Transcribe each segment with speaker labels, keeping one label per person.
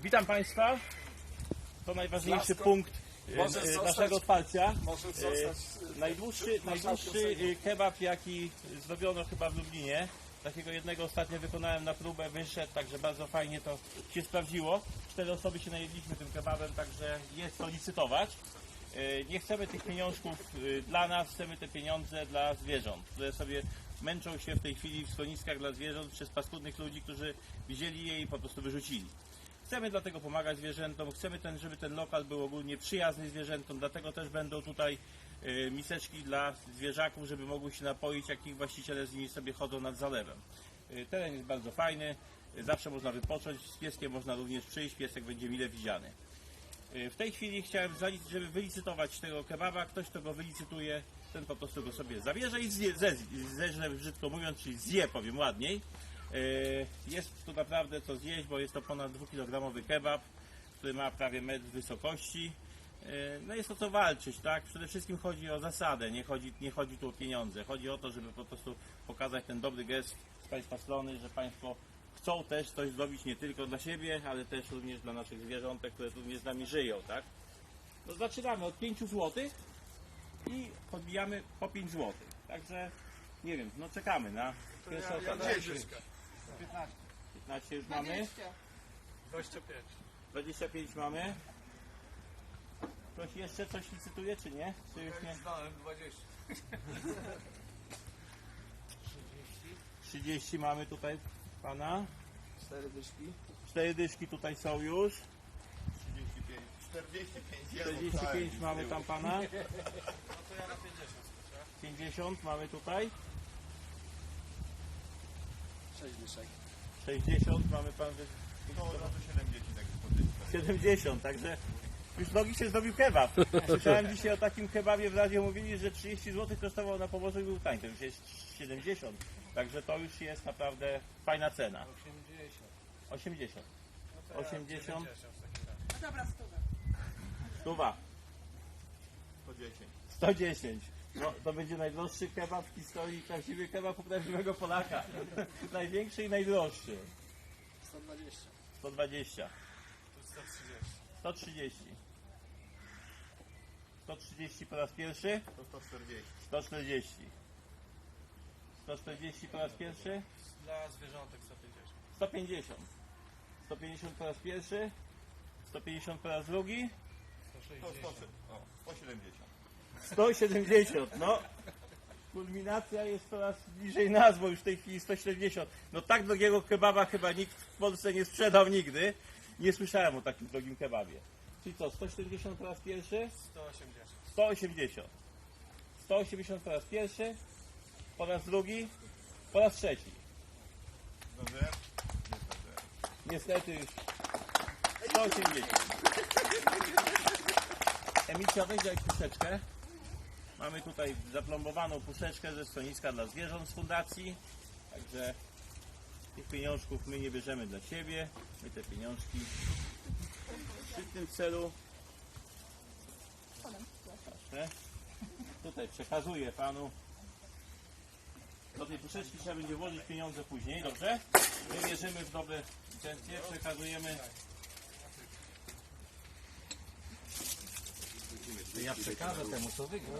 Speaker 1: Witam Państwa. To najważniejszy punkt naszego otwarcia. Najdłuższy kebab, jaki zrobiono chyba w Lublinie. Takiego jednego ostatnio wykonałem na próbę, wyszedł, także bardzo fajnie to się sprawdziło. 4 osoby się najedliśmy tym kebabem, także jest to licytować. Nie chcemy tych pieniążków dla nas, chcemy te pieniądze dla zwierząt, które sobie męczą się w tej chwili w schroniskach dla zwierząt przez paskudnych ludzi, którzy widzieli je i po prostu wyrzucili. Chcemy dlatego pomagać zwierzętom, chcemy żeby ten lokal był ogólnie przyjazny zwierzętom, dlatego też będą tutaj miseczki dla zwierzaków, żeby mogły się napoić, jak ich właściciele z nimi sobie chodzą nad zalewem. Teren jest bardzo fajny, zawsze można wypocząć, z pieskiem można również przyjść, piesek będzie mile widziany. W tej chwili chciałem, żeby wylicytować tego kebaba, ktoś kto go wylicytuje, ten po prostu go sobie zabierze i zeżre, brzydko mówiąc, czyli zje, powiem ładniej. Jest tu naprawdę co zjeść, bo jest to ponad 2-kilogramowy kebab, który ma prawie metr wysokości. No jest o co walczyć, tak? Przede wszystkim chodzi o zasadę, nie chodzi tu o pieniądze. Chodzi o to, żeby po prostu pokazać ten dobry gest z Państwa strony, że Państwo chcą też coś zrobić nie tylko dla siebie, ale też również dla naszych zwierzątek, które również z nami żyją, tak? No zaczynamy od 5 zł i podbijamy po 5 zł. Także nie wiem, no czekamy na pierwszą osobę. 15 już mamy. 25 mamy. Ktoś jeszcze coś licytuje, czy nie? Czy już nie? 30 mamy tutaj pana.
Speaker 2: 4 dyszki.
Speaker 1: 4 dyszki tutaj są już. 45 mamy tam pana. 50 mamy tutaj.
Speaker 2: 6 dyszek.
Speaker 1: 60 mamy pan. 70, także już nogi się zrobił kebab. Słyszałem dzisiaj o takim kebabie w radiu, mówili, że 30 zł kosztował na Pomorzu i był tańszy. To już jest 70. Także to już jest naprawdę fajna cena. 80. 80.
Speaker 3: No dobra, 100.
Speaker 1: Stuwa. 110. No, to będzie najdroższy kebab w historii, prawdziwy kebab u prawdziwego Polaka. Największy i najdroższy.
Speaker 2: 120.
Speaker 1: 120. 130. 130 po raz pierwszy. 140. 140 po raz pierwszy.
Speaker 4: Dla zwierzątek 150.
Speaker 1: 150. 150 po raz pierwszy. 150 po raz drugi. 170. No. Kulminacja jest coraz bliżej nas, bo już w tej chwili 170. No tak drogiego kebaba chyba nikt w Polsce nie sprzedał nigdy. Nie słyszałem o takim drogim kebabie. Czyli co, 170 po raz pierwszy?
Speaker 4: 180.
Speaker 1: 180. 180 po raz pierwszy, po raz drugi, po raz trzeci. Niestety już 180. Emicja, weź daj puszeczkę. Mamy tutaj zaplombowaną puszeczkę ze schroniska dla zwierząt z fundacji. Także tych pieniążków my nie bierzemy dla siebie. My te pieniążki w tym celu tutaj przekazuję panu. Do tej puszeczki trzeba będzie włożyć pieniądze później, dobrze? My wierzymy w dobre intencje, przekazujemy.
Speaker 4: Ja przekażę temu, co wygra.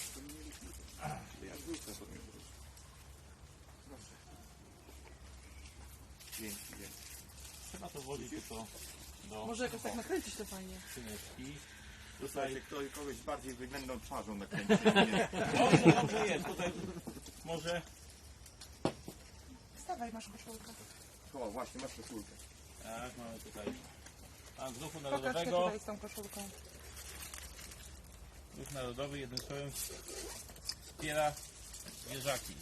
Speaker 1: Trzeba to włożyć tylko do
Speaker 3: Może jakoś tak nakręcić to fajnie.
Speaker 1: skrzyneczki.
Speaker 5: Tutaj kogoś bardziej wyględną twarzą nakręcił.
Speaker 1: Dobrze jest, tutaj może.
Speaker 3: Wstawaj, masz koszulkę.
Speaker 5: O, właśnie, masz koszulkę.
Speaker 1: Tak, mamy tutaj. A z Ruchu
Speaker 3: Pokaż się
Speaker 1: Narodowego.
Speaker 3: tutaj z tą koszulką.
Speaker 1: Ruch Narodowy jednym słowem wspiera zwierzaki.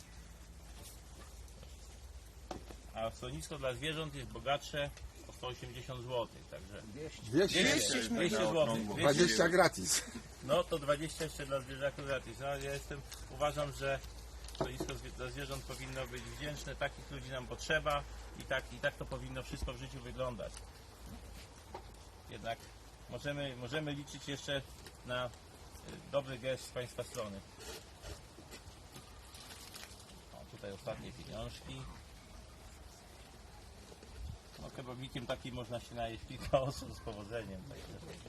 Speaker 1: A schronisko dla zwierząt jest bogatsze o 180 zł, także 200 zł.
Speaker 6: 20 gratis.
Speaker 1: No to 20 jeszcze dla zwierzaków gratis. No, ja uważam, że schronisko dla zwierząt powinno być wdzięczne, takich ludzi nam potrzeba i tak to powinno wszystko w życiu wyglądać. Jednak możemy liczyć jeszcze na dobry gest z Państwa strony. O, tutaj ostatnie pieniążki. No kebabikiem takim można się najeść kilka osób z powodzeniem. Także.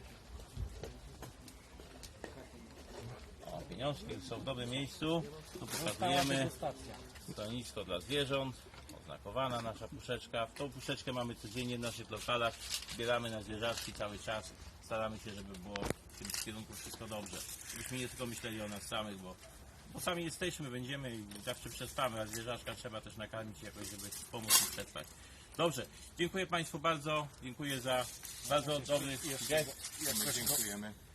Speaker 1: O, pieniążki są w dobrym miejscu. Tu pokazujemy stanowisko dla zwierząt. Oznakowana nasza puszeczka. Tą puszeczkę mamy codziennie w naszych lokalach. Zbieramy na zwierzaczki cały czas. Staramy się, żeby było w tym kierunku wszystko dobrze. Żebyśmy nie tylko myśleli o nas samych, bo sami jesteśmy, będziemy i zawsze przetrwamy, a zwierzaczka trzeba też nakarmić jakoś, żeby pomóc im przetrwać. Dobrze, dziękuję Państwu bardzo. Dziękuję za bardzo dobry gest.
Speaker 5: My dziękujemy.